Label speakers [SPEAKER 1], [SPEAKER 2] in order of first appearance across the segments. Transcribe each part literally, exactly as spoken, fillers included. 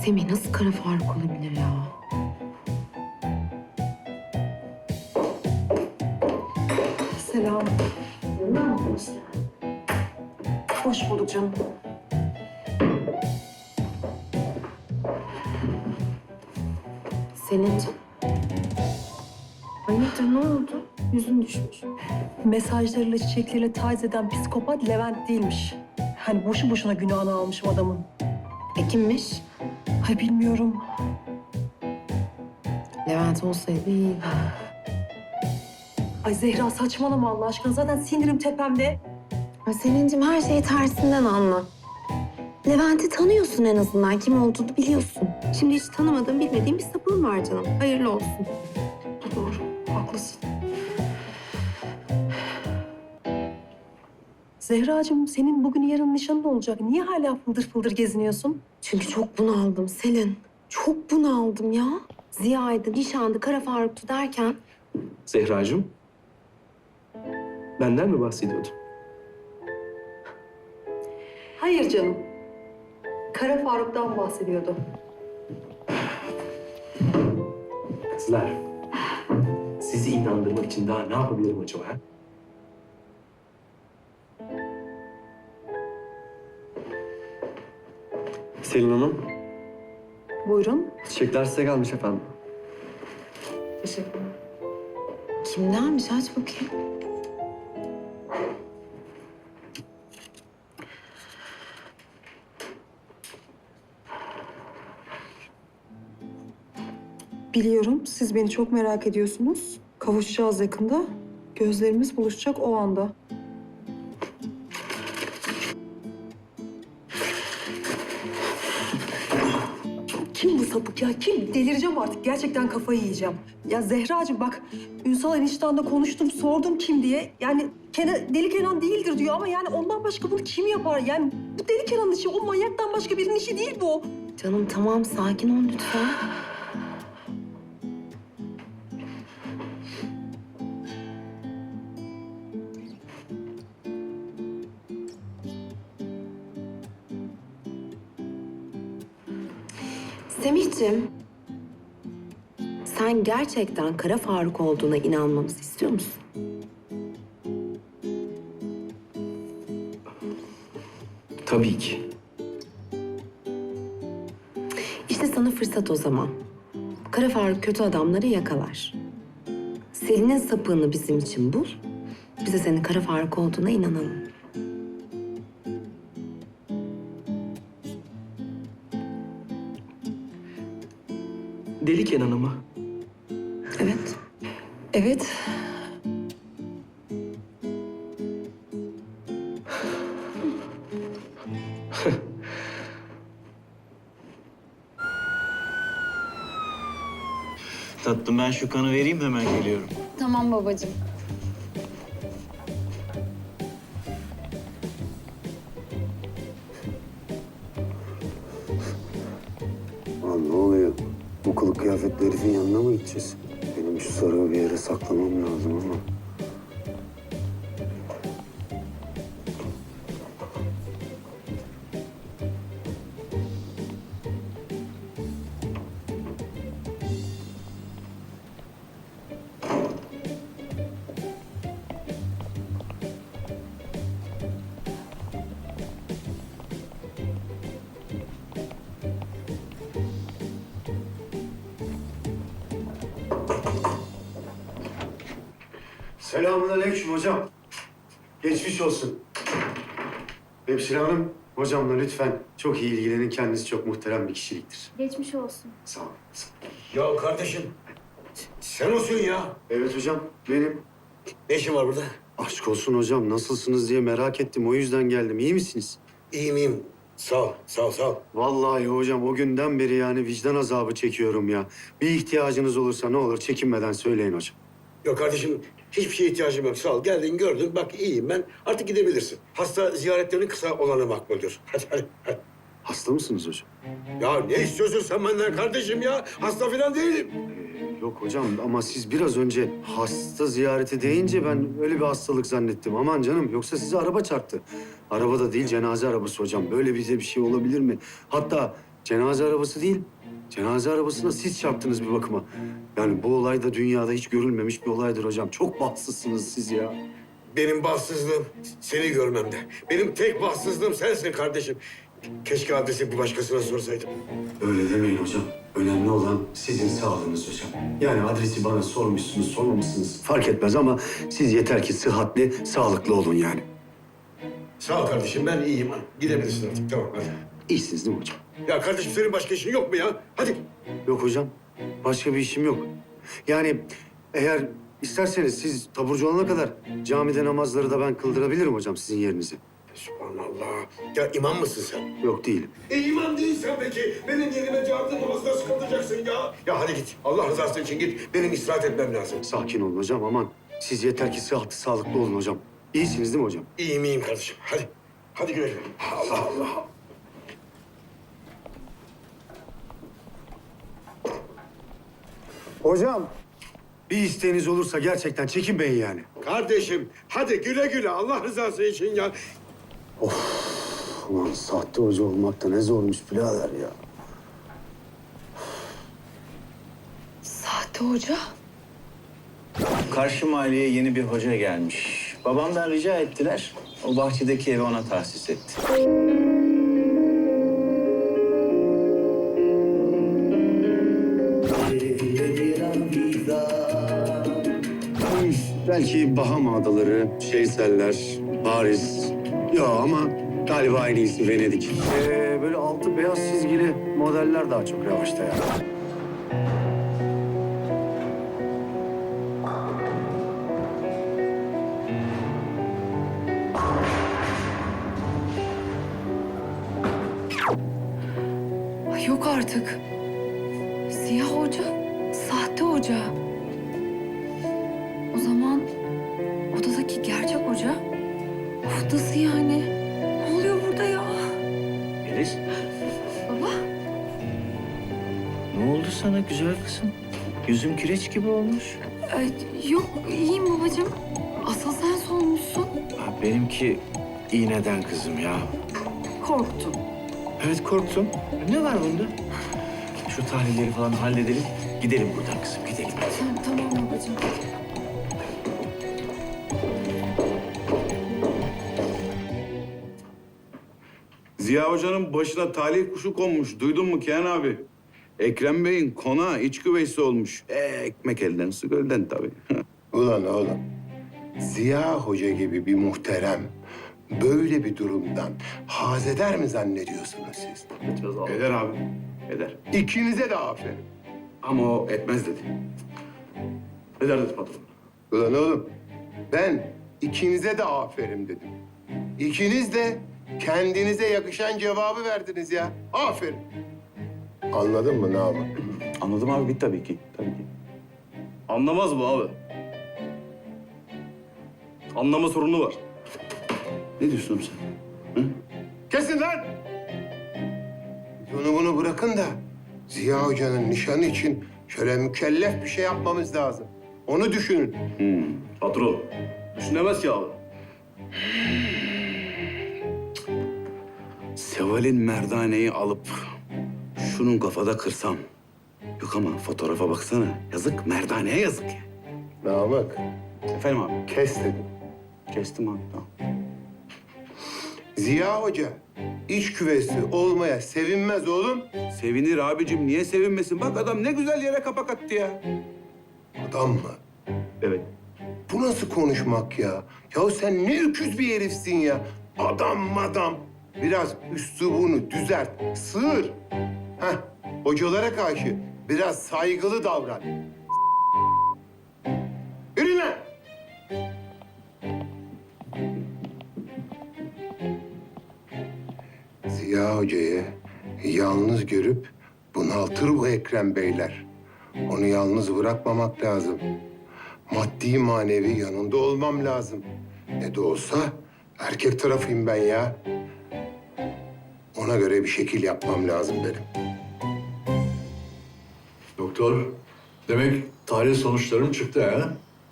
[SPEAKER 1] Semih nasıl Kara Faruk olabilir ya?
[SPEAKER 2] Selam. Hoş bulduk canım.
[SPEAKER 1] Selin'cim. Hayırdır ne oldu? Yüzün düşmüş.
[SPEAKER 2] Mesajlarıyla, çiçekleriyle taciz eden psikopat Levent değilmiş. Hani boşu boşuna günahını almışım adamın.
[SPEAKER 1] E kimmiş?
[SPEAKER 2] Ay bilmiyorum.
[SPEAKER 1] Levent olsaydı iyiydi.
[SPEAKER 2] Ay Zehra saçmalama Allah aşkına. Zaten sinirim tepemde.
[SPEAKER 1] Ay Selin'cim her şeyi tersinden anla. Levent'i tanıyorsun en azından. Kim olduğunu biliyorsun. Şimdi hiç tanımadığın, bilmediğin bir sapığın var canım. Hayırlı olsun.
[SPEAKER 2] Doğru, haklısın. Zehracığım senin bugün yarın nişanın olacak. Niye hala fıldır fıldır geziniyorsun?
[SPEAKER 1] Çünkü çok bunaldım Selin. Çok bunaldım ya. Ziya'ydı, nişandı, Kara Faruk'tu derken...
[SPEAKER 3] Zehracığım, benden mi bahsediyordun?
[SPEAKER 2] Hayır canım. Kara Faruk'tan bahsediyordu.
[SPEAKER 3] Kızlar, sizi inandırmak için daha ne yapabilirim acaba? Ha?
[SPEAKER 4] Selin Hanım,
[SPEAKER 2] Buyurun.
[SPEAKER 4] çiçekler size gelmiş efendim.
[SPEAKER 2] Teşekkürler.
[SPEAKER 1] Kimdenmiş? Aç bakayım.
[SPEAKER 2] Biliyorum siz beni çok merak ediyorsunuz. Kavuşacağız yakında. Gözlerimiz buluşacak o anda. Kim bu sapık ya? Kim? Delireceğim artık. Gerçekten kafayı yiyeceğim. Ya Zehracığım bak, Ünsal eniştenle konuştum, sordum kim diye. Yani Kenan, Deli Kenan değildir diyor ama yani ondan başka bunu kim yapar? Yani bu Deli Kenan'ın işi, o manyaktan başka birinin işi değil bu.
[SPEAKER 1] Canım tamam, sakin ol lütfen. Semihciğim, sen gerçekten Kara Faruk olduğuna inanmamızı istiyor musun?
[SPEAKER 3] Tabii ki.
[SPEAKER 1] İşte sana fırsat o zaman. Kara Faruk kötü adamları yakalar. Selin'in sapığını bizim için bul. Biz de senin Kara Faruk olduğuna inanalım.
[SPEAKER 3] Deli Kenan'ı mı?
[SPEAKER 1] Evet.
[SPEAKER 2] Evet.
[SPEAKER 5] Tatlım ben şu kanı vereyim hemen geliyorum.
[SPEAKER 6] Tamam babacığım.
[SPEAKER 7] Lan ne oluyor? Bu kılık kıyafetli herifin yanına mı gideceğiz? Benim şu sarığı bir yere saklamam lazım ama. Selamünaleyküm hocam. Geçmiş olsun. Hemşire hanım, hocamla lütfen çok iyi ilgilenin. Kendisi çok muhterem bir kişiliktir.
[SPEAKER 6] Geçmiş olsun.
[SPEAKER 7] Sağ olun. Sağ olun.
[SPEAKER 8] Ya kardeşim, sen olsun ya.
[SPEAKER 7] Evet hocam, benim.
[SPEAKER 8] Ne işin var burada?
[SPEAKER 7] Aşk olsun hocam, nasılsınız diye merak ettim. O yüzden geldim. İyi misiniz?
[SPEAKER 8] İyiyim, iyiyim. Sağ ol, sağ ol, sağ ol.
[SPEAKER 7] Vallahi hocam o günden beri yani vicdan azabı çekiyorum ya. Bir ihtiyacınız olursa ne olur çekinmeden söyleyin hocam.
[SPEAKER 8] Yok kardeşim, hiçbir şeye ihtiyacım yok. Sağ ol, geldin, gördün. Bak iyiyim ben. Artık gidebilirsin. Hasta ziyaretlerinin kısa olanı makbuldür. Hadi, hadi, hadi.
[SPEAKER 7] Hasta mısınız hocam?
[SPEAKER 8] Ya ne istiyorsun sen benden kardeşim ya? Hasta falan değilim.
[SPEAKER 7] Ee, yok hocam ama siz biraz önce hasta ziyareti deyince ben öyle bir hastalık zannettim. Aman canım yoksa size araba çarptı. Araba da değil cenaze arabası hocam. Böyle bize bir şey olabilir mi? Hatta cenaze arabası değil. Cenaze arabasına siz çarptınız bir bakıma. Yani bu olay da dünyada hiç görülmemiş bir olaydır hocam. Çok bahtsızsınız siz ya.
[SPEAKER 8] Benim bahtsızlığım seni görmemde. Benim tek bahtsızlığım sensin kardeşim. Keşke adresi bir başkasına sorsaydım.
[SPEAKER 7] Öyle demeyin hocam. Önemli olan sizin sağlığınız hocam. Yani adresi bana sormuşsunuz, sormamışsınız fark etmez ama siz yeter ki sıhhatli, sağlıklı olun yani.
[SPEAKER 8] Sağ ol kardeşim, ben iyiyim. Gidebilirsin artık, tamam hadi.
[SPEAKER 7] İyisiniz değil mi hocam?
[SPEAKER 8] Ya kardeşim senin başka işin yok mu ya? Hadi.
[SPEAKER 7] Yok hocam. Başka bir işim yok. Yani eğer isterseniz siz taburcu olana kadar camide namazları da ben kıldırabilirim hocam sizin yerinize.
[SPEAKER 8] Subhanallah. Ya imam mısın sen?
[SPEAKER 7] Yok değilim.
[SPEAKER 8] E imam değilsen peki benim yerime camide namazı nasıl kıldıracaksın ya? Ya hadi git. Allah rızası için git. Benim istirahat etmem lazım.
[SPEAKER 7] Sakin olun hocam aman. Siz yeter ki sıhhatli, sağlıklı olun hocam. İyisiniz değil mi hocam?
[SPEAKER 8] İyiyim iyiyim kardeşim. Hadi. Hadi güle güle. Allah Allah.
[SPEAKER 7] Hocam. Bir isteğiniz olursa gerçekten çekinmeyin yani.
[SPEAKER 8] Kardeşim hadi güle güle Allah rızası için ya.
[SPEAKER 7] Ulan sahte hoca olmak da ne zormuş birader ya.
[SPEAKER 1] Sahte hoca?
[SPEAKER 5] Karşı mahalleye yeni bir hoca gelmiş. Babamdan rica ettiler. O bahçedeki evi ona tahsis etti.
[SPEAKER 7] Belki Bahama Adaları, Şeyseller, Paris. Ya ama galiba en iyisi Venedik. Ee, böyle altı beyaz çizgili modeller daha çok revaçta ya.
[SPEAKER 1] Ay yok artık. Siyah hoca, sahte hoca. O zaman odadaki gerçek hoca, of nasıl yani? Ne oluyor burada ya?
[SPEAKER 5] Melis,
[SPEAKER 1] Baba,
[SPEAKER 5] ne oldu sana güzel kızım? Yüzün kireç gibi olmuş.
[SPEAKER 1] ay, yok iyiyim babacığım. Asıl sen solmuşsun.
[SPEAKER 5] Ha, benimki iğneden kızım ya.
[SPEAKER 1] Korktum.
[SPEAKER 5] Evet korktum. Ne var bunda? Şu tahlilleri falan halledelim. Gidelim buradan kızım, gidelim.
[SPEAKER 1] Tamam, tamam babacığım.
[SPEAKER 6] Ziya Hoca'nın başına talih kuşu konmuş. Duydun mu Kenan abi? Ekrem Bey'in konağı iç güveysi olmuş. E, ekmek elden, su gölden tabii.
[SPEAKER 9] Ulan oğlum, Ziya Hoca gibi bir muhterem böyle bir durumdan haz eder mi zannediyorsunuz siz?
[SPEAKER 6] Eder abi, eder.
[SPEAKER 9] İkinize de aferin.
[SPEAKER 6] Ama o etmez dedi. Eder dedi patron.
[SPEAKER 9] Ulan oğlum, ben ikinize de aferin dedim. İkiniz de kendinize yakışan cevabı verdiniz ya. Aferin. Anladın mı Namık?
[SPEAKER 6] Anladım abi, bit tabii ki. Tabii ki. Anlamaz bu abi. Anlama sorunu var. Ne diyorsun oğlum sen? Hı?
[SPEAKER 9] Kesin lan! Bunu bunu bırakın da Ziya Hoca'nın nişanı için şöyle mükellef bir şey yapmamız lazım. Onu düşünün.
[SPEAKER 6] Hmm, patron. Düşünemez ki abi. Seval'in merdaneyi alıp şunun kafada kırsam. Yok ama fotoğrafa baksana. Yazık, merdaneye yazık ya.
[SPEAKER 9] Namık,
[SPEAKER 6] Efendim abi?
[SPEAKER 9] kes dedim.
[SPEAKER 6] Kestim abi, tamam.
[SPEAKER 9] Ziya Hoca iç küvesi olmaya sevinmez oğlum.
[SPEAKER 6] Sevinir abicim, niye sevinmesin? Bak adam ne güzel yere kapak attı ya.
[SPEAKER 9] Adam mı?
[SPEAKER 6] Evet.
[SPEAKER 9] Bu nasıl konuşmak ya? Ya sen ne öküz bir herifsin ya. Adam madam. Biraz üslubunu düzelt, sığır. Heh, hocalara karşı biraz saygılı davran. Yürü lan! Ziya Hoca'yı yalnız görüp bunaltır bu Ekrem Beyler. Onu yalnız bırakmamak lazım. Maddi manevi yanında olmam lazım. Ne de olsa erkek tarafıyım ben ya. Ona göre bir şekil yapmam lazım benim.
[SPEAKER 10] Doktor, demek tahlil sonuçlarım çıktı ha?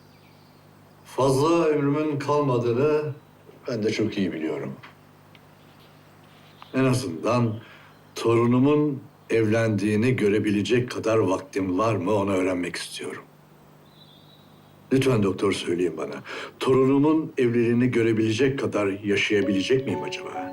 [SPEAKER 10] Fazla ömrümün kalmadığını ben de çok iyi biliyorum. En azından Torunumun evlendiğini görebilecek kadar vaktim var mı onu öğrenmek istiyorum. Lütfen doktor söyleyin bana. Torunumun evliliğini görebilecek kadar yaşayabilecek miyim acaba?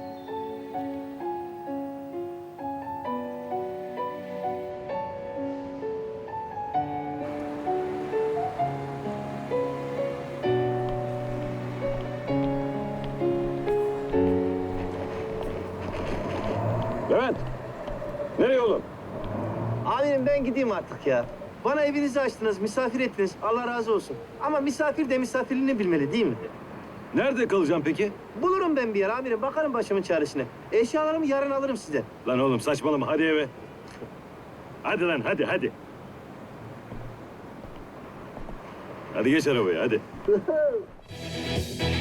[SPEAKER 5] Levent! Nereye oğlum? Amirim ben gideyim artık ya. Bana evinizi açtınız, misafir ettiniz. Allah razı olsun. Ama misafir de misafirliğini bilmeli değil mi? Nerede kalacağım peki? Bulurum ben bir yer amirim. Bakarım başımın çaresine. Eşyalarımı yarın alırım size. Lan oğlum saçmalama. Hadi eve. Hadi lan hadi hadi. Hadi geç arabaya hadi.